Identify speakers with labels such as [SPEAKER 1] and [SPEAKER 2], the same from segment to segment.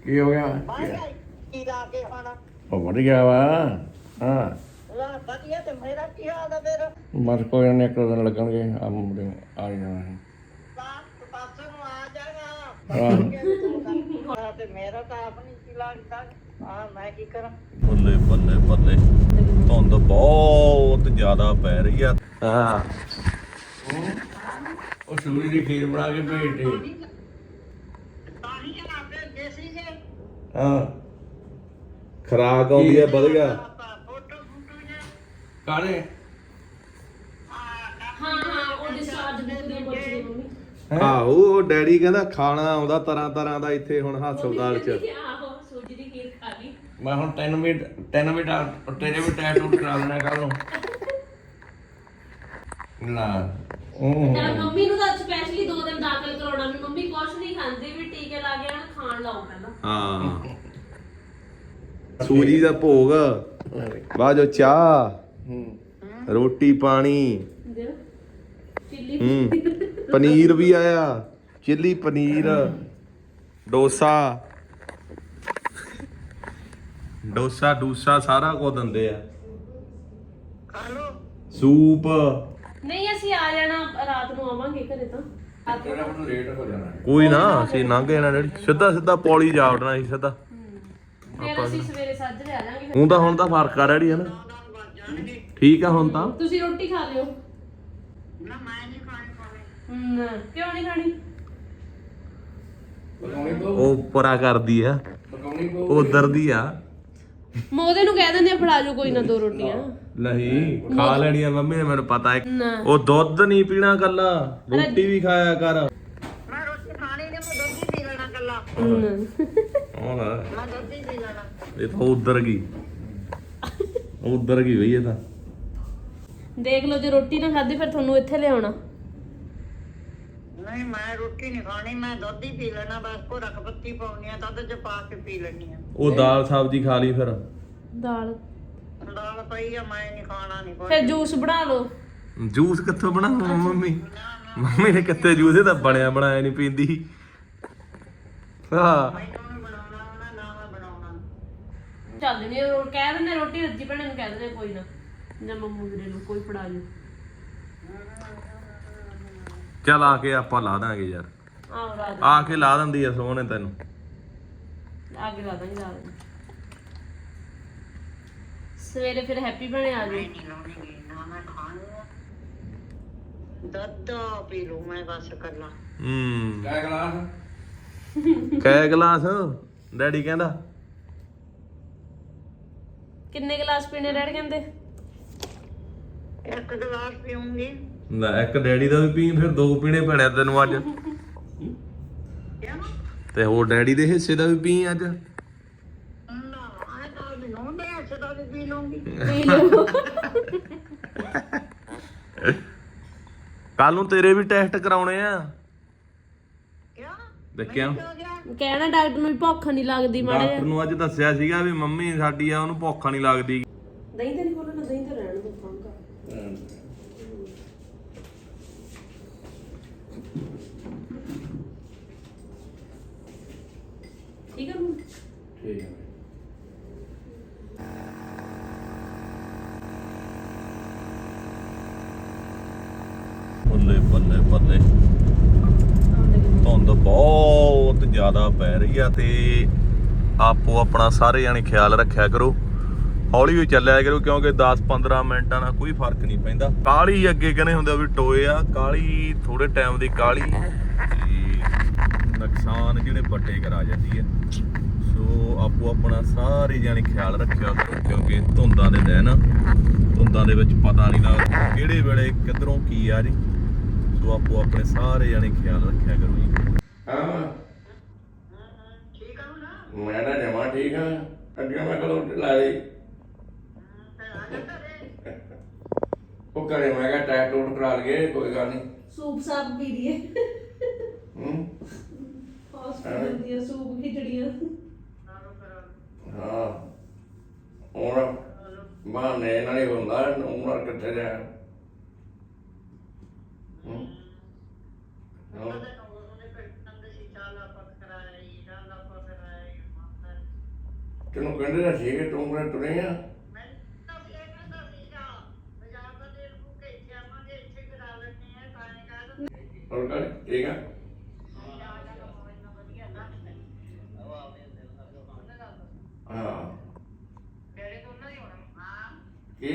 [SPEAKER 1] ਕੀ ਹੋ ਗਿਆ?
[SPEAKER 2] ਕੀ ਲਾ ਕੇ ਖਾਣਾ
[SPEAKER 1] ਉਹ ਵਧ ਗਿਆ ਵਾ। ਹਾਂ
[SPEAKER 2] ਲਾ ਵਧੀਆ ਤੇ ਮੇਰਾ ਕੀ ਹਾਲ ਆ ਫਿਰ
[SPEAKER 1] ਬਸ ਕੋਈ ਨਹੀਂ, ਇੱਕ ਦੋ ਦਿਨ ਲੱਗਣਗੇ। ਆ ਮੁੰਡੇ ਆ ਜਾਣਾ ਹੈ।
[SPEAKER 2] ਪਾਸੇ ਨੂੰ ਆ ਜਾਣਾ
[SPEAKER 1] ਹਾਂ
[SPEAKER 2] ਤੇ ਮੇਰਾ ਤਾਂ ਆਪ ਨਹੀਂ ਕੀ ਲੱਗਦਾ ਆ ਮੈਂ ਕੀ ਕਰਾਂ
[SPEAKER 3] ਬੱਲੇ ਬੱਲੇ ਬੱਲੇ, ਧੁੰਦ ਬਹੁਤ ਜ਼ਿਆਦਾ ਪੈ ਰਹੀ ਆ। ਹਾਂ
[SPEAKER 1] ਉਹ ਸੂਰੀ ਦੀ ਖੀਰ ਬਣਾ ਕੇ ਭੇਜ ਦੇ।
[SPEAKER 2] ਪਾਣੀ ਜਨਾ ਭੇਜੇ ਸੀਗੇ
[SPEAKER 3] ਹਾਂ, ਖਰਾਕ ਆਉਂਦੀ ਆ ਵਧੀਆ।
[SPEAKER 2] ਫੋਟੋ ਫੋਟੋ ਜੇ
[SPEAKER 1] ਕਾਲੇ
[SPEAKER 4] ਹਾਂ ਉਹ ਡਿਸਚਾਰਜ ਬੁੱਕ ਦੀਆਂ ਪੁੱਛਦੇ ਮੰਮੀ।
[SPEAKER 3] ਆਹੋ, ਉਹ ਡੈਡੀ ਕਹਿੰਦਾ ਖਾਣਾ ਆਉਂਦਾ ਤਰ੍ਹਾਂ ਤਰ੍ਹਾਂ ਦਾ ਇੱਥੇ ਹੁਣ ਹਸਪਤਾਲ 'ਚ।
[SPEAKER 4] ਆਹੋ ਸੂਜੀ ਦੀ ਖੀਰ ਖਾ ਲਈ।
[SPEAKER 1] ਮੈਂ ਹੁਣ ਤੈਨੂੰ ਵੀ ਤੇਰੇ ਵੀ ਟੈਟੂ ਕਰਾ ਦੇਣਾ ਕੱਲ ਨੂੰ। ਨਾ
[SPEAKER 4] ਤਾਂ ਮੰਮੀ ਨੂੰ ਤਾਂ ਸਪੈਸ਼ਲੀ 2 ਦਿਨ ਦਾਖਲ ਕਰਾਉਣਾ ਵੀ ਮੰਮੀ ਕੁਛ ਨਹੀਂ ਖਾਂਦੀ ਵੀ ਟੀਕੇ ਲਾ ਕੇ ਖਾਣ ਲਾਓ ਪਹਿਲਾਂ।
[SPEAKER 3] ਹਾਂ, ਸੂਜੀ ਦਾ ਭੋਗ, ਬਾਅਦ ਚ ਚਾਹ, ਰੋਟੀ ਪਾਣੀ,
[SPEAKER 4] ਦਿਓ ਚਿੱਲੀ
[SPEAKER 3] ਪਨੀਰ ਵੀ ਆਇਆ, ਚਿੱਲੀ ਪਨੀਰ, ਡੋਸਾ ਸਾਰਾ ਕੁਝ ਦਿੰਦੇ ਆ।
[SPEAKER 2] ਖਾ ਲੋ
[SPEAKER 3] ਸੂਪ।
[SPEAKER 4] ਨਹੀਂ ਅਸੀਂ ਆ ਜਾਣਾ ਰਾਤ ਨੂੰ ਆਵਾਂਗੇ ਘਰੇ ਤਾਂ
[SPEAKER 1] ਤੇਰਾ ਹੁਣ ਲੇਟ ਹੋ ਜਾਣਾ।
[SPEAKER 3] ਕੋਈ ਨਾ, ਅਸੀਂ ਲੰਘ ਜਾਣਾ ਡੈਡੀ, ਸਿੱਧਾ ਪੌੜੀ ਜਾ ਵੜਨਾ ਸੀ ਸਿੱਧਾ।
[SPEAKER 4] ਫਿਰ ਅਸੀਂ ਸਵੇਰੇ ਸਾਜਰੇ ਆ ਜਾਾਂਗੇ।
[SPEAKER 3] ਹੁਣ ਤਾਂ ਫਰਕ ਆ ਡੈਡੀ, ਹੈ ਨਾ? ਠੀਕ ਆ ਹੁਣ ਤਾਂ।
[SPEAKER 4] ਤੁਸੀਂ ਰੋਟੀ ਖਾ ਲਿਓ।
[SPEAKER 2] ਨਾ ਮੈਂ ਨਹੀਂ ਖਾਣੀ
[SPEAKER 4] ਕਿਉਂ ਨਹੀਂ ਖਾਣੀ?
[SPEAKER 1] ਪਕਾਉਣੀ ਪਊ
[SPEAKER 3] ਉਹ ਪਰਾ ਕਰਦੀ ਆ,
[SPEAKER 1] ਪਕਾਉਣੀ ਪਊ।
[SPEAKER 3] ਉਧਰ ਦੀ ਆ।
[SPEAKER 4] ਮੈਂ ਉਹਦੇ ਨੂੰ ਕਹਿ ਦਿੰਦੇ ਆ ਫੜਾ ਜਾਓ ਕੋਈ ਨਾ 2 ਰੋਟੀਆਂ।
[SPEAKER 3] ਨਹੀਂ, ਖਾ ਲੈਣੀਆਂ ਮੰਮੀ ਨੇ, ਮੈਨੂੰ ਪਤਾ ਹੈ।
[SPEAKER 4] ਨਾ
[SPEAKER 3] ਉਹ ਦੁੱਧ ਨਹੀਂ ਪੀਣਾ ਕੱਲਾ, ਰੋਟੀ ਵੀ ਖਾਇਆ ਕਰ।
[SPEAKER 2] ਮੈਂ ਰੋਟੀ ਖਾਣੀ ਨਹੀਂ ਮੈਂ ਦੁੱਧ ਹੀ ਪੀ ਲੈਣਾ ਕੱਲਾ
[SPEAKER 3] ਉਹ ਲੈ,
[SPEAKER 2] ਮੈਂ ਦੁੱਧ ਹੀ ਪੀ ਲੈਣਾ
[SPEAKER 3] ਇਹ ਤਾਂ ਉਧਰ ਗਈ ਬਈ ਇਹ ਤਾਂ।
[SPEAKER 4] ਦੇਖ ਲਓ ਜੇ ਰੋਟੀ ਨਾ ਖਾਧੀ ਫਿਰ ਤੁਹਾਨੂੰ ਇੱਥੇ ਲਿਆਉਣਾ।
[SPEAKER 2] ਨਹੀਂ ਮੈਂ ਰੋਟੀ ਨਹੀਂ ਖਾਣੀ ਮੈਂ ਦੁੱਧ ਹੀ ਪੀ ਲੈਣਾ ਬਸ ਭੋਰਾ ਪੱਤੀ ਪਾਉਣੀ ਆ ਦੁੱਧ ਚ ਪਾ ਕੇ ਪੀ ਲੈਣੀ ਆ
[SPEAKER 3] ਉਹ ਦਾਲ ਸਬਜ਼ੀ ਖਾ ਲਈ ਫਿਰ।
[SPEAKER 4] ਦਾਲ
[SPEAKER 2] ਦਾਲ ਪਈ ਆ ਮੈਂ ਨਹੀਂ ਖਾਣਾ ਨਹੀਂ
[SPEAKER 4] ਫਿਰ ਜੂਸ ਬਣਾ ਲਓ।
[SPEAKER 3] ਜੂਸ ਕਿੱਥੋਂ ਬਣਾਵਾਂ ਮੰਮੀ ਨੇ ਕਿੱਥੇ ਜੂਸ, ਇਹ ਤਾਂ ਬਣਿਆ ਬਣਾਇਆ ਨਹੀਂ ਪੀਂਦੀ। ਹਾਂ,
[SPEAKER 2] ਮੈਨੂੰ ਨੀ ਬਣਾਉਣਾ ਆਉਣਾ, ਨਾ ਮੈਂ ਬਣਾਉਣਾ
[SPEAKER 4] ਚੱਲ ਨਹੀਂ ਕਹਿ ਦਿੰਦੇ ਰੋਟੀ ਰੱਜੀ ਭੈਣੇ ਨੂੰ ਕਹਿ ਦਿੰਦੇ ਕੋਈ ਨਾ ਜਾਂ ਮੰਮੂ ਵੀਰੇ ਨੂੰ ਕੋਈ ਫੜਾ ਜਾਓ।
[SPEAKER 3] ਚੱਲ ਆ ਕੇ ਆਪਾਂ ਲਾ ਦਾਂਗੇ ਯਾਰ,
[SPEAKER 4] ਆਹ ਰਾਤ
[SPEAKER 3] ਆ ਕੇ ਲਾ ਦਿੰਦੀ ਆ ਸੋਹਣੇ ਤੈਨੂੰ।
[SPEAKER 4] ਅੱਗੇ ਲਾ ਦਾਂਗੇ ਰਾਤ ਨੂੰ। ਸਵੇਰੇ ਫਿਰ ਹੈਪੀ ਬਣੇ ਆ ਜਾਓ।
[SPEAKER 2] ਨਹੀਂ ਲਾਉਣੀ ਨਾ ਮੈਂ ਖਾਣੀ ਆ ਦੁੱਧ ਪੀ ਲੂ ਮੈਂ ਬਸ ਕੱਲਾ
[SPEAKER 1] ਕਾ ਗਲਾਸ
[SPEAKER 3] ਕੈ ਗਲਾਸ ਡੈਡੀ ਕਹਿੰਦਾ?
[SPEAKER 4] ਕਿੰਨੇ ਗਲਾਸ ਪੀਣੇ ਡੈਡ ਕਹਿੰਦੇ?
[SPEAKER 2] ਇੱਕ ਗਲਾਸ ਪੀਉਂਗੀ
[SPEAKER 3] ਲੈ, ਇੱਕ ਡੈਡੀ ਦਾ ਵੀ ਪੀ, ਫਿਰ 2 ਪੀਣੇ ਪੈਣੇ ਤੈਨੂੰ ਅੱਜ।
[SPEAKER 2] ਕਿਆ
[SPEAKER 3] ਤੇ ਹੋਰ ਡੈਡੀ ਦੇ ਹਿੱਸੇ ਦਾ ਵੀ ਪੀ ਅੱਜ।
[SPEAKER 2] ਨਾ ਆਏ ਤਾਂ ਵੀ ਨੋਂਦੇ ਐਸੇ ਦਾ ਵੀ ਪੀ ਲੂੰਗੀ
[SPEAKER 4] ਪੀ ਲਓ।
[SPEAKER 3] ਕੱਲ ਨੂੰ ਤੇਰੇ ਵੀ ਟੈਸਟ ਕਰਾਉਣੇ ਆ।
[SPEAKER 2] ਕਿਆ
[SPEAKER 3] ਦੇਖਿਆ,
[SPEAKER 2] ਹੋ ਗਿਆ
[SPEAKER 4] ਕਹਿਣਾ ਡਾਕਟਰ ਨੂੰ ਵੀ ਭੁੱਖ ਨਹੀਂ ਲੱਗਦੀ ਮਾੜਾ
[SPEAKER 3] ਡਾਕਟਰ ਨੂੰ ਅੱਜ ਦੱਸਿਆ ਸੀਗਾ ਵੀ ਮੰਮੀ ਸਾਡੀ ਆ, ਉਹਨੂੰ ਭੁੱਖ ਨਹੀਂ ਲੱਗਦੀ।
[SPEAKER 4] ਦਹੀਂ ਤੇ ਨਹੀਂ ਬੋਲਣਾ, ਦਹੀਂ ਤੇ ਰਹਿਣ ਦੋ ਖਾਂਗਾ। ਠੀਕ ਹੈ ਮੰਮੀ?
[SPEAKER 1] ਠੀਕ ਹੈ।
[SPEAKER 3] ਬੱਲੇ ਬੱਲੇ ਬੱਲੇ, ਧੁੰਦ ਬਹੁਤ ਜ਼ਿਆਦਾ ਪੈ ਰਹੀ ਆ ਤੇ ਆਪੋ ਆਪਣਾ ਸਾਰੇ ਜਾਣੇ ਖਿਆਲ ਰੱਖਿਆ ਕਰੋ, ਹੌਲੀ ਹੌਲੀ ਚੱਲਿਆ ਕਰੋ, ਕਿਉਂਕਿ 10-15 ਮਿੰਟਾਂ ਨਾਲ ਕੋਈ ਫਰਕ ਨਹੀਂ ਪੈਂਦਾ। ਕਾਲੀ ਅੱਗੇ ਕਹਿੰਦੇ ਹੁੰਦੇ ਵੀ ਟੋਏ ਆ, ਕਾਲੀ ਥੋੜੇ ਟਾਈਮ ਦੀ ਕਾਲੀ ਤੇ ਨੁਕਸਾਨ ਜਿਹੜੇ ਵੱਡੇ ਕਰਾ ਜਾਂਦੀ ਆ। ਸੋ ਆਪੋ ਆਪਣਾ ਸਾਰੇ ਜਾਣੇ ਖਿਆਲ ਰੱਖਿਆ ਕਰੋ, ਕਿਉਂਕਿ ਧੁੰਦਾਂ ਦੇ ਦਿਨ, ਧੁੰਦਾਂ ਦੇ ਵਿੱਚ ਪਤਾ ਨਹੀਂ ਲੱਗਦਾ ਕਿਹੜੇ ਵੇਲੇ ਕਿੱਧਰੋਂ ਕੀ ਆ ਜੀ। ਸੋ ਆਪੋ ਆਪਣੇ ਸਾਰੇ ਜਾਣੇ ਖਿਆਲ ਰੱਖਿਆ ਕਰੋ ਜੀ।
[SPEAKER 1] ਹਾਂ
[SPEAKER 2] ਠੀਕ ਆ ਨਾ
[SPEAKER 1] ਮੈਂ ਤਾਂ ਜਮਾ ਠੀਕ ਆ। ਅੱਗੇ ਮੈਂ ਕਦੋਂ ਲਾਈ
[SPEAKER 2] ਫਿਰ ਆ ਜਾ ਘਰੇ
[SPEAKER 1] ਉਹ ਘਰੇ ਮੈਂ ਕਿਹਾ ਟੈਟੂ ਕਰਾ ਲਈਏ, ਕੋਈ ਗੱਲ ਨਹੀਂ।
[SPEAKER 4] ਸੂਪ ਸਾਪ ਪੀ ਲਈਏ।
[SPEAKER 1] ਹਸਪੀਟਲ
[SPEAKER 4] ਦੀਆਂ ਸੂਪ ਖਿਚੜੀਆਂ।
[SPEAKER 1] ਹਾਂ ਹੁਣ ਬਹਾਨੇ ਨਾਲ ਹੀ ਹੁੰਦਾ, ਉਮਰ ਕਿੱਥੇ ਜਾ।
[SPEAKER 2] ਉਹਦੇ ਕੋਲ ਉਹਨੇ ਕੋਈ ਅੰਦਰ ਸੀ ਚਾਲਾ ਪੱਕ ਕਰਾਇਆ ਜੀ ਚਾਲਾ ਪੱਕ ਕਰਾਇਆ
[SPEAKER 1] ਤੈਨੂੰ ਕਹਿੰਦੇ ਤਾਂ ਸੀਗੇ ਤੂੰ ਕਿਹੜਾ ਤੁਰੇ ਆ
[SPEAKER 2] ਮੈਂ ਤਾਂ ਇਹ ਕਹਿੰਦਾ ਸੀਗਾ ਬਾਜ਼ਾਰ ਦਾ ਤੇਲ ਫੂਕ ਕੇ ਇੱਥੇ ਆਵਾਂਗੇ ਇੱਥੇ ਕਰਾ ਲੈਣੇ ਆ ਤਾਂ ਇਹ ਕਹਿੰਦਾ
[SPEAKER 1] ਹੋਰ ਕਰ ਠੀਕ ਆ ਹਾਂ
[SPEAKER 2] ਤੇਰੇ ਤੋਂ ਨਹੀਂ ਹੋਣਾ ਹਾਂ
[SPEAKER 1] ਕੀ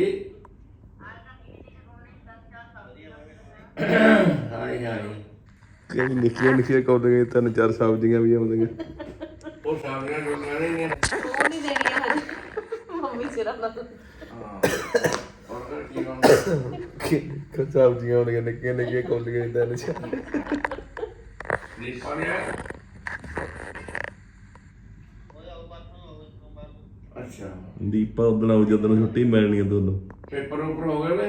[SPEAKER 1] ਹਾਈ ਹਾਈ
[SPEAKER 3] ਕਿਹੜੀ ਨਿੱਕੀਆਂ ਕੌਲੀਆਂ 3-4 ਸਬਜ਼ੀਆਂ ਵੀ ਆਉਂਦੀਆਂ
[SPEAKER 1] ਉਹ ਸਾਹਮਣੇ ਲੋਕਾਂ ਨੇ ਨਹੀਂ
[SPEAKER 4] ਉਹ ਨਹੀਂ ਦੇਣੀਆਂ ਹਜੇ ਮੰਮੀ ਸਿਰਾਂ ਦਾ
[SPEAKER 1] ਹਾਂ ਹੋਰ ਕਰ ਕੀ ਬਣਦਾ
[SPEAKER 3] ਸਬਜ਼ੀਆਂ ਆਉਂਦੀਆਂ ਨਿੱਕੀਆਂ ਕੌਲੀਆਂ 3-4
[SPEAKER 1] ਨਹੀਂ ਪਾਣਿਆ ਅੱਛਾ
[SPEAKER 3] ਦੀਪਾ ਉਦਣ ਆਉ ਜਦੋਂ ਛੁੱਟੀ ਮਿਲਣੀ ਆ ਦੋਨੋਂ
[SPEAKER 1] ਪੇਪਰ ਉੱਪਰ ਹੋ ਗਏ ਵੇ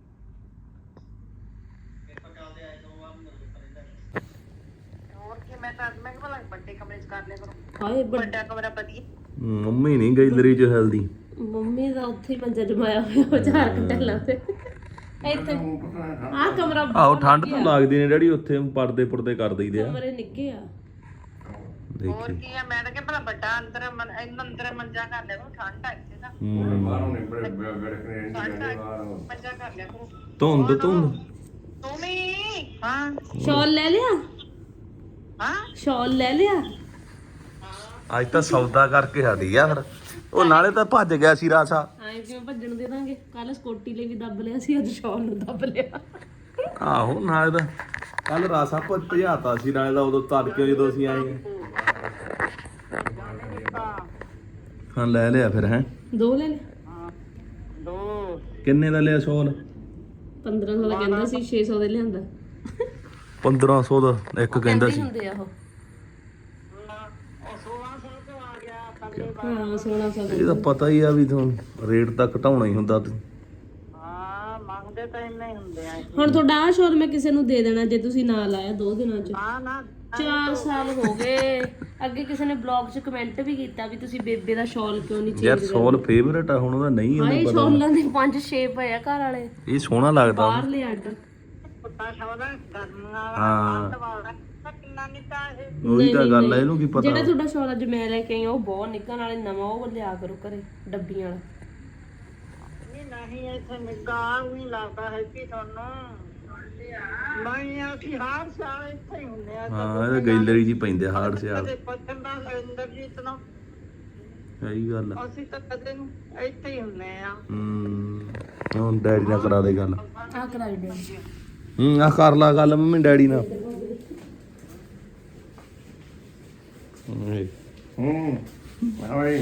[SPEAKER 2] ਹੋਰ ਕੀ ਮੈਂ ਤਾਂ ਮੈਂ ਕਿਹਾ ਵੱਡੇ ਕਮਰੇ 'ਚ ਕਰ ਲਿਆ ਕਰੋ
[SPEAKER 4] ਹਾਏ
[SPEAKER 2] ਵੱਡਾ ਕਮਰਾ ਵਧੀਆ
[SPEAKER 3] ਮੰਮੀ ਨਹੀਂ ਗੈਲਰੀ 'ਚ ਹੈਲਦੀ
[SPEAKER 4] ਮੰਮੀ ਦਾ ਉੱਥੇ ਹੀ ਮੰਜਾ ਜਮਾਇਆ ਹੋਇਆ ਉਹ 4 ਘੰਟੇ ਲਾਉਂਦੇ ਇੱਥੇ ਆਹ ਕਮਰਾ
[SPEAKER 3] ਆਹੋ ਠੰਡ ਤਾਂ ਲੱਗਦੀ ਨੇ ਡੈਡੀ ਉੱਥੇ ਪਰਦੇ ਕਰ ਦਈਦੇ ਆ
[SPEAKER 4] ਕਮਰੇ ਨਿੱਕੇ ਆ
[SPEAKER 2] ਹੋਰ ਕੀ ਆ ਮੈਂ ਤਾਂ ਕਿਹਾ ਭਲਾ ਵੱਡਾ ਅੰਦਰ ਅੰਦਰ ਮੰਜਾ ਕਰ ਲਿਆ ਕਰੋ ਠੰਡ ਆ ਇੱਥੇ ਤਾਂ
[SPEAKER 1] ਬਾਹਰੋਂ ਨਿਬੜ ਗੜਕਣੇ ਬਾਹਰ
[SPEAKER 2] ਮੰਜਾ ਕਰ ਲਿਆ ਕਰੋ
[SPEAKER 3] ਧੁੰਦ
[SPEAKER 2] ਤੂੰ ਵੀ ਹਾਂ
[SPEAKER 4] ਸ਼ਾਲ ਲੈ ਲਿਆ
[SPEAKER 2] ਹਾਂ
[SPEAKER 4] ਸ਼ਾਲ ਲੈ ਲਿਆ
[SPEAKER 3] ਅੱਜ ਤਾਂ ਸੌਦਾ ਕਰਕੇ ਹਟੀ ਆ ਫਿਰ ਉਹ ਨਾਲੇ ਤਾਂ ਭੱਜ ਗਿਆ ਸੀ ਰਾਸਾ
[SPEAKER 4] ਐਂ ਕਿਵੇਂ ਭੱਜਣ ਦੇ ਦਾਂਗੇ ਕੱਲ ਸਕੋਟੀ ਲਈ ਵੀ ਦੱਬ ਲਿਆ ਸੀ ਅੱਜ ਸ਼ਾਲ ਨੂੰ ਦੱਬ ਲਿਆ
[SPEAKER 3] ਆਹੋ ਨਾਲੇ ਤਾਂ ਕੱਲ ਰਾਸਾ ਭਜਾਤਾ ਸੀ ਨਾਲੇ ਤਾਂ ਉਦੋਂ ਤੜਕੇ ਜਦੋਂ ਅਸੀਂ ਆਏ ਹਾਂ ਲੈ ਲਿਆ ਫਿਰ ਹੈ
[SPEAKER 4] 2 ਲੈ ਲਿਆ
[SPEAKER 2] ਦੋ
[SPEAKER 3] ਕਿੰਨੇ ਦਾ ਲਿਆ ਸ਼ਾਲ
[SPEAKER 4] 1500 ਦਾ ਕਹਿੰਦਾ ਸੀ 600 ਦੇ ਲਿਆਂਦਾ
[SPEAKER 3] 1500 ਦਾ ਇੱਕ ਕਹਿੰਦਾ ਸੀ
[SPEAKER 4] ਹੁੰਦੇ ਆ ਉਹ
[SPEAKER 2] 1600 ਤੋਂ ਆ ਗਿਆ ਪੱਲੇ
[SPEAKER 4] ਹਾਂ 1600
[SPEAKER 3] ਇਹ ਤਾਂ ਪਤਾ ਹੀ ਆ ਵੀ ਤੁਹਾਨੂੰ ਰੇਟ ਤਾਂ ਘਟਾਉਣਾ ਹੀ ਹੁੰਦਾ
[SPEAKER 2] ਹਾਂ ਮੰਗਦੇ ਤਾਂ ਇੰਨੇ ਹੀ ਹੁੰਦੇ ਆ
[SPEAKER 4] ਹੁਣ ਤੁਹਾਡਾ ਆਹ ਸ਼ਾਲ ਮੈਂ ਕਿਸੇ ਨੂੰ ਦੇ ਦੇਣਾ ਜੇ ਤੁਸੀਂ ਨਾ ਲਾਇਆ 2 ਦਿਨਾਂ ਚ
[SPEAKER 2] ਹਾਂ ਨਾ
[SPEAKER 4] 4 ਸਾਲ ਹੋ ਗਏ ਅੱਗੇ ਕਿਸੇ ਨੇ ਬਲੌਗ 'ਚ ਕਮੈਂਟ ਵੀ ਕੀਤਾ ਵੀ ਤੁਸੀਂ ਬੇਬੇ ਦਾ ਸ਼ਾਲ ਕਿਉਂ ਨਹੀਂ
[SPEAKER 3] ਯਾਰ
[SPEAKER 4] ਚੇਂਜ
[SPEAKER 3] ਸ਼ਾਲ ਫੇਵਰੇਟ ਆ ਹੁਣ ਉਹਦਾ ਨਹੀਂ
[SPEAKER 4] ਹਾਏ
[SPEAKER 3] ਉਹਨੂੰ
[SPEAKER 4] ਸ਼ਾਲਾਂ ਦੇ 5-6 ਪਏ ਆ ਘਰ ਵਾਲੇ
[SPEAKER 3] ਇਹ ਸੋਹਣਾ ਲੱਗਦਾ
[SPEAKER 4] ਬਾਹਰਲੇ ਅੱਡ
[SPEAKER 2] ਪੁੱਤਾ ਸ਼ੌਦਾ ਗਰਮੀਆਂ
[SPEAKER 3] ਹਾਂ
[SPEAKER 2] ਵਾਲਾ ਕਿੰਨਾ ਨਿੱਕਾ ਇਹ
[SPEAKER 3] ਉਹੀ ਤਾਂ ਗੱਲ ਆ ਇਹਨੂੰ ਕੀ ਪਤਾ
[SPEAKER 4] ਜਿਹੜਾ ਤੁਹਾਡਾ ਸ਼ਾਲ ਅੱਜ ਮੈਂ ਲੈ ਕੇ ਆਈ ਆ ਉਹ ਬਹੁਤ ਨਿੱਘਾ ਨਾਲੇ ਨਵਾਂ ਉਹ ਲਿਆ ਕਰੋ ਘਰੇ ਡੱਬੀਆਂ ਵਾਲਾ
[SPEAKER 2] ਨਹੀਂ ਇੱਥੇ ਨਿੱਗਾ ਵੀ ਲੱਗਦਾ ਹੈ ਕਿ ਤੁਹਾਨੂੰ ਨਹੀਂ ਅਸੀਂ ਹਰ ਸਾਲ ਇੱਥੇ ਹੀ ਹੁੰਦੇ ਆ
[SPEAKER 3] ਹਾਂ ਇਹ ਗੈਲਰੀ ਜੀ ਪੈਂਦੇ ਹਾਰਡ ਸਿਆਲ
[SPEAKER 2] ਕਦੇ ਪੱਛਮ ਦਾ ਇੰਦਰਜੀਤ ਨੂੰ
[SPEAKER 3] ਸਹੀ ਗੱਲ ਆ
[SPEAKER 2] ਅਸੀਂ ਤਾਂ ਕਦੇ ਨੂੰ ਇੱਥੇ ਹੀ ਹੁੰਦੇ ਆ
[SPEAKER 3] ਹੁਣ ਡੈਡੀ ਨਾਲ ਕਰਾ ਦੇ ਗੱਲ
[SPEAKER 4] ਆ ਕਰਾਈ ਦੇ
[SPEAKER 3] ਆ ਕਰ ਲਾ ਗੱਲ ਮੰਮੀ ਡੈਡੀ ਨਾਲ
[SPEAKER 1] ਹਾਈ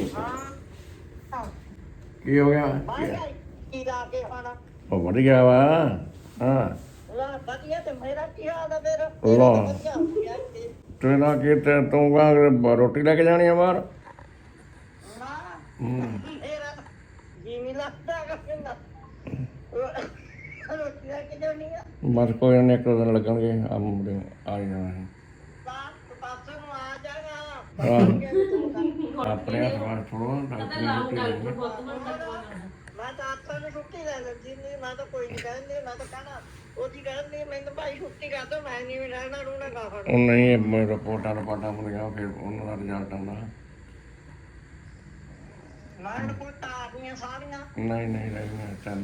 [SPEAKER 1] ਕੀ ਹੋ ਗਿਆ
[SPEAKER 2] ਕੀ ਲਾ ਕੇ ਖਾਣਾ
[SPEAKER 1] ਉਹ ਵੱਧ ਗਿਆ ਵਾ ਹਾਂ
[SPEAKER 2] ਲਾ ਵਧੀਆ ਤੇ ਮੇਰਾ ਕੀ ਹਾਲ ਆ ਫਿਰ
[SPEAKER 1] ਲਾ
[SPEAKER 2] ਵਧੀਆ ਹੋ ਗਿਆ ਇੱਥੇ।
[SPEAKER 1] ਤੇਰਾ ਕੀ ਤੇ ਤੂੰ ਕਾ ਰੋਟੀ ਲੈ ਕੇ ਜਾਣੀ ਆ ਬਾਹਰ
[SPEAKER 2] ਨਾ ਮੇਰਾ ਜਿਵੇਂ ਲੱਗਦਾ ਕਹਿੰਦਾ ਰੋਟੀ ਲੈ ਕੇ ਜਾਣੀ ਆ
[SPEAKER 1] ਬਸ ਕੋਈ ਨਾ ਇੱਕ ਦੋ ਦਿਨ ਲੱਗਣਗੇ ਆ ਮੁੰਡੇ ਆ ਹੀ ਜਾਣਾ ਹੈ
[SPEAKER 2] ਪਾਸੋਂ ਨੂੰ ਆ ਜਾਗਾ
[SPEAKER 1] ਆਪਣੇ ਹੱਥ ਥੋੜੋ ਡਾਕਟਰ
[SPEAKER 2] ਮੈਂ ਤਾਂ ਆਪਾਂ ਨੂੰ ਛੁੱਟੀ ਲੈ ਲੈਂਦੀ ਨਹੀਂ ਮੈਂ ਤਾਂ ਕੋਈ ਨਹੀਂ ਕਹਿੰਦੀ ਮੈਂ ਤਾਂ ਕਹਿਣਾ ਉਹਦੀ ਕਹਿੰਦੀ ਮੈਨੂੰ ਭਾਈ ਛੁੱਟੀ ਕਰ ਦੋ ਮੈਂ ਨਹੀਂ ਰਹਿਣਾ ਰੂਣਾ ਗਾ ਫੜ
[SPEAKER 1] ਉਹ ਨਹੀਂ ਮੇਰੇ ਰਿਪੋਰਟਾਂ ਮੁੰਡੀਆਂ ਫਿਰ ਉਹਨਾਂ ਦਾ ਰਿਜ਼ਲਟ ਆਉਂਦਾ
[SPEAKER 2] ਮੈਂ ਰਿਪੋਰਟਾਂ ਆ ਗਈਆਂ ਸਾਰੀਆਂ
[SPEAKER 1] ਨਹੀਂ ਚੱਲ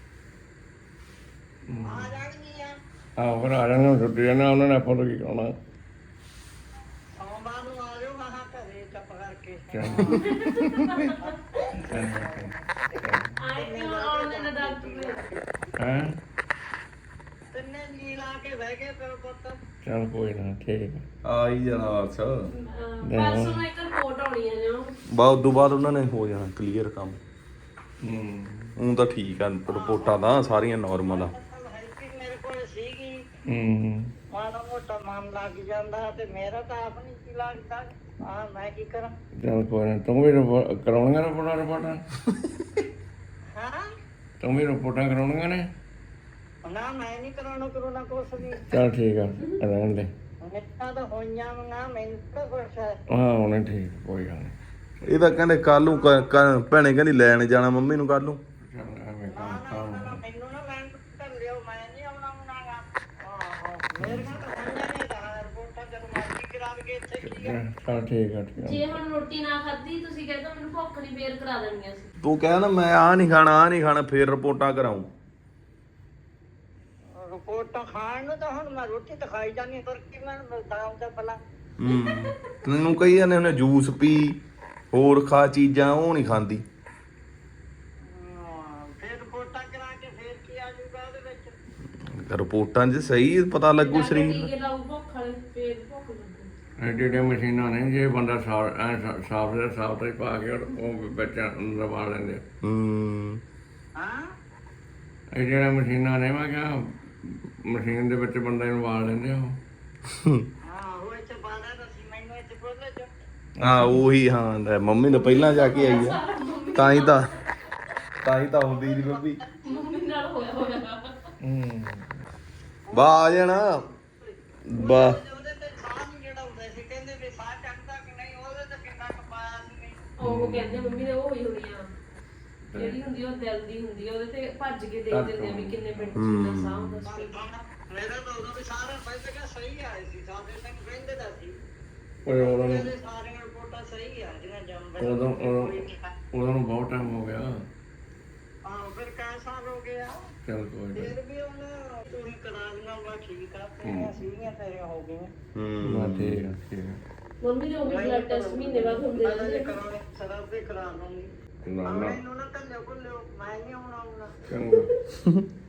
[SPEAKER 2] ਆ ਜਾਣਗੀਆਂ
[SPEAKER 1] ਆਹ ਫਿਰ ਆ ਜਾਣਾ ਛੁੱਟੀ ਨਾ ਉਹਨਾਂ ਨੇ ਆਪਾਂ ਤੋਂ ਕੀ ਕਰਾਉਣਾ
[SPEAKER 2] ਸੋਮਵਾਰ ਨੂੰ ਆ ਜਾਓ ਮੈਂ ਕਿਹਾ ਘਰੇ ਚੁੱਪ ਕਰਕੇ
[SPEAKER 4] ਆਏ ਕਿਉਂ ਆਉਂਦੇ ਨੇ ਡਾਕਟਰ
[SPEAKER 1] ਹੈ
[SPEAKER 2] ਤਿੰਨੇ ਨੀ ਲਾ ਕੇ ਬਹਿ ਗਏ ਫਿਰ ਪੁੱਤ
[SPEAKER 1] ਚੱਲ ਕੋਈ ਨਾ ਠੀਕ
[SPEAKER 3] ਆ ਹੀ ਜਾਣਾ ਬਸ
[SPEAKER 4] ਪਰਸੋਂ ਨੂੰ ਇੱਕ ਰਿਪੋਰਟ ਆਉਣੀ ਹੈ ਜੋ
[SPEAKER 3] ਬਾਅਦ ਉਦੋਂ ਬਾਅਦ ਉਹਨਾਂ ਨੇ ਹੋ ਜਾਣਾ ਕਲੀਅਰ ਕੰਮ
[SPEAKER 1] ਹੂੰ
[SPEAKER 3] ਹੁਣ ਤਾਂ ਠੀਕ ਆ ਰਿਪੋਰਟਾਂ ਤਾਂ ਸਾਰੀਆਂ ਨਾਰਮਲ ਆ
[SPEAKER 2] ਹੈਲਪਿੰਗ ਮੇਰੇ ਕੋਲ ਸੀਗੀ
[SPEAKER 1] ਹੂੰ
[SPEAKER 2] ਮਾੜਾ ਮੋਟਾ ਮਨ ਲੱਗ ਜਾਂਦਾ ਤੇ ਮੇਰਾ ਤਾਂ ਆਪ ਨਹੀਂ ਕੀ ਲੱਗਦਾ ਆ ਮੈਂ ਕੀ ਕਰਾਂ
[SPEAKER 1] ਚੱਲ ਕੋਈ ਨਾ ਤੂੰ ਵੀ ਕਰਾਉਣੀਆਂ ਰਿਪੋਰਟਾਂ
[SPEAKER 2] ਹਾਂ
[SPEAKER 1] ਤੂੰ ਵੀ ਰਿਪੋਰਟਾਂ ਕਰਾਉਣੀਆਂ ਨੇ
[SPEAKER 2] ਨਾ ਮੈਂ ਨਹੀਂ ਕਰਾਉਣਾ ਕੁਛ ਵੀ
[SPEAKER 1] ਚੱਲ ਠੀਕ ਆ ਰਹਿਣ ਦੇ
[SPEAKER 2] ਨਿੱਕਾ ਤਾਂ ਹੋਈਆਂ ਨਾ ਮੈਨੂੰ ਤਾਂ ਕੁਛ ਹੈ
[SPEAKER 1] ਹਾਂ ਉਹਨੇ ਠੀਕ ਕੋਈ ਗੱਲ ਨਹੀਂ
[SPEAKER 3] ਇਹ ਤਾਂ ਕਹਿੰਦੇ ਕੱਲ ਨੂੰ ਭੈਣੇ ਕਹਿੰਦੀ ਲੈਣ ਜਾਣਾ ਮੰਮੀ ਨੂੰ ਕੱਲ ਨੂੰ
[SPEAKER 1] ਚੱਲ ਐਵੇਂ ਕੰਮ
[SPEAKER 2] ਮੈਨੂੰ ਨਾ ਮੈਂ ਕਰ ਲਿਓ ਮੈਂ ਨਹੀਂ ਆਉਣਾ ਮੁਨਾਗਾ ਆਹੋ ਮੇਰੇ ਨਾਲ ਤਾਂ ਹੋਈਆਂ ਨੇ ਦਾ ਰਿਪੋਰਟਾਂ ਜਦੋਂ ਮਰਜ਼ੀ ਕਰਾ ਕੇ ਇੱਥੇ ਕੀ
[SPEAKER 1] ਚੱਲ ਠੀਕ ਆ ਠੀਕ ਆ।
[SPEAKER 4] ਜੇ ਹੁਣ ਰੋਟੀ ਨਾ ਖਾਧੀ ਤੁਸੀਂ ਕਹਿੰਦੇ ਮੈਨੂੰ ਭੁੱਖ ਨਹੀਂ ਫੇਰ ਕਰਾ ਦੇਣੀਆਂ ਸੀ।
[SPEAKER 3] ਤੂੰ ਕਹਿ ਨਾ ਮੈਂ ਆ ਨਹੀਂ ਖਾਣਾ ਫੇਰ ਰਿਪੋਰਟਾਂ ਕਰਾਉਂ।
[SPEAKER 2] ਰਿਪੋਰਟਾਂ ਖਾਣ ਨੂੰ ਤਾਂ ਹੁਣ ਮੈਂ ਰੋਟੀ ਤਾਂ ਖਾਈ ਜਾਂਦੀ ਪਰ ਕੀ ਮੈਂ ਮਿਲਦਾ ਹੁੰਦਾ ਭਲਾ।
[SPEAKER 3] ਤੈਨੂੰ ਕਹੀ ਜਾਂਦੇ ਉਹਨੇ ਜੂਸ ਪੀ ਹੋਰ ਖਾ ਚੀਜ਼ਾਂ ਉਹ ਨਹੀਂ ਖਾਂਦੀ।
[SPEAKER 2] ਫਿਰ ਰਿਪੋਰਟਾਂ ਕਰਾ ਕੇ ਫਿਰ ਕੀ ਆ ਜੂਗਾ ਉਹਦੇ ਵਿੱਚ।
[SPEAKER 3] ਰਿਪੋਰਟਾਂ 'ਚ ਸਹੀ ਪਤਾ ਲੱਗੂ ਸਰੀਰ ਦਾ।
[SPEAKER 4] ਟੀਕੇ ਲਾਉ ਭੁੱਖ ਵਾਲੇ ਫੇਰ ਭੁੱਖ ਲੱਗੂ।
[SPEAKER 1] ਐਡੇ ਮਸ਼ੀਨਾਂ ਨੇ ਜੇ ਬੰਦਾ ਸਾਫ ਤੇ ਪਾ ਕੇ ਉਹ ਬੱਚਾ ਅੰਦਰ ਪਾ ਲੈਂਦੇ ਆ।
[SPEAKER 2] ਹਾਂ
[SPEAKER 1] ਇਹ ਜਿਹੜੀਆਂ ਮਸ਼ੀਨਾਂ ਨੇ ਮੈਂ ਕਿਹਾ ਮਸ਼ੀਨ ਦੇ ਵਿੱਚ ਬੰਦੇ ਨੂੰ ਵਾਲ ਲੈਂਦੇ ਆ ਉਹ।
[SPEAKER 2] ਹਾਂ ਉਹ ਇੱਥੇ ਬਾਹਰ ਦਾ ਸੀ ਮੈਨੂੰ ਇੱਥੇ ਬੋਲੇ ਜੋ।
[SPEAKER 3] ਹਾਂ ਉਹੀ ਹਾਂ ਲੈ ਮੰਮੀ ਤਾਂ ਪਹਿਲਾਂ ਜਾ ਕੇ ਆਈ ਆ ਤਾਂ ਹੀ ਤਾਂ ਹੁੰਦੀ ਦੀ ਬੱਬੀ।
[SPEAKER 4] ਮੰਮੀ ਨਾਲ ਹੋਇਆ
[SPEAKER 3] ਬਾ ਆ ਜਾਣਾ ਬਾ।
[SPEAKER 2] ਉਹਦੇ ਤੇ ਸਾਹ ਨਹੀਂ ਜਿਹੜਾ ਹੁੰਦਾ ਸੀ ਕਹਿੰਦੇ ਵੀ ਸਾਹ ਚੜਦਾ ਕਿ ਨਹੀਂ ਉਹਦੇ ਤੇ ਕਿੰਨਾ ਕਪਾਇਆ ਸੀ ਨਹੀਂ।
[SPEAKER 4] ਉਹ ਕਹਿੰਦੇ ਮੰਮੀ ਨੇ ਉਹ ਹੋਈ ਹੋਣੀ ਆ ਜਿਹੜੀ ਹੁੰਦੀ ਉਹ ਦਿਲ ਦੀ ਹੁੰਦੀ ਆ ਉਹਦੇ ਤੇ ਭੱਜ ਕੇ ਦੇਖ ਦਿੰਦੇ ਆ ਵੀ ਕਿੰਨੇ ਮਿੰਟ ਕਿੰਨਾ ਸਾਹ ਹੁੰਦਾ ਸੀ।
[SPEAKER 2] ਮੇਰਾ ਤਾਂ ਉਦੋਂ ਵੀ ਸਾਰੇ ਪਹਿਲੇ ਕਿ ਸਹੀ ਆਏ ਸੀ ਸਾਡੇ ਤੱਕ ਕਹਿੰਦੇ ਦਾ ਸੀ
[SPEAKER 1] ਓਏ ਉਦੋਂ ਨੂੰ
[SPEAKER 2] ਸਾਰੀਆਂ ਰਿਪੋਰਟਾਂ ਸਹੀ ਆ ਜਿਹਨਾਂ ਜੰਮ
[SPEAKER 1] ਉਦੋਂ ਨੂੰ ਬਹੁਤ ਟਾਈਮ ਹੋ ਗਿਆ।
[SPEAKER 2] ਹਾਂ ਫਿਰ ਕਈ ਸਾਲ ਹੋ ਗਿਆ
[SPEAKER 1] ਚੱਲ ਕੋਈ ਨਾ।
[SPEAKER 2] ਫਿਰ ਵੀ ਉਹਨੇ ਤੁਸੀਂ ਕਰਾ ਦੇਣਾ ਵਾ ਠੀਕ ਆ ਤੇਰੀਆਂ ਸੀਗੀਆਂ ਤੇਰੀਆਂ ਹੋ ਗਈਆਂ।
[SPEAKER 1] ਮੈਂ ਠੀਕ ਆ ਠੀਕ ਆ।
[SPEAKER 4] ਮੰਮੀ ਦੇ ਉਹ ਵੀ ਬਲੱਡ ਟੈਸਟ ਮਹੀਨੇ ਬਾਅਦ ਹੁੰਦੇ
[SPEAKER 2] ਪਹਿਲਾਂ
[SPEAKER 4] ਰਹਿੰਦੇ
[SPEAKER 2] ਜੇ ਕਰਾਉਣੇ ਸਰਵ ਤੇ ਕਰਾ ਲਵਾਂਗੀ।
[SPEAKER 1] ਨਾ ਨਾ
[SPEAKER 2] ਮੈਨੂੰ ਨਾ ਕੱਲਿਓ ਮੈਂ ਨਹੀਂ ਆਉਣਾ
[SPEAKER 1] ਚੰਗਾ।